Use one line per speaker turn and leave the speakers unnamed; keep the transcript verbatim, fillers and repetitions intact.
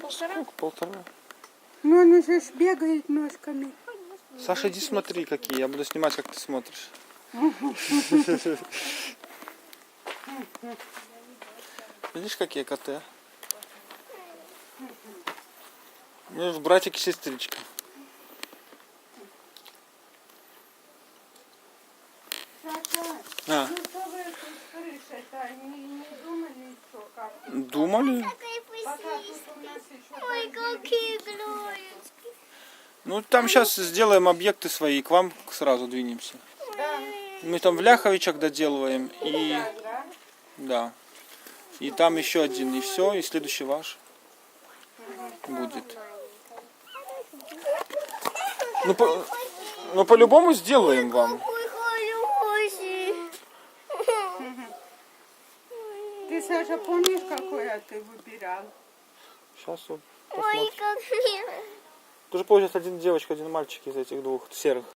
Сколько? Полтора.
Ну, он уже ж бегает ножками.
Саша, иди смотри, какие. Я буду снимать, как ты смотришь. Видишь, какие коты? Ну, братик и сестричка. А.
Ну, что вы с крышей-то не, не думали, что как?
Думали?
Пока тут у нас еще
Ой, какие глоечки.
Ну, там сейчас сделаем объекты свои, к вам сразу двинемся.
да,
Мы там в Ляховичах доделываем, и
так, да?
да. И там еще один, и все, и следующий ваш будет. Ну, по, ну, по-любому сделаем вам.
Какой хороший.
Ты, Саша, помнишь, какой ты выбирал?
Сейчас вот
Ой,
посмотрим.
как мило.
Тоже получится один девочка, один мальчик из этих двух серых.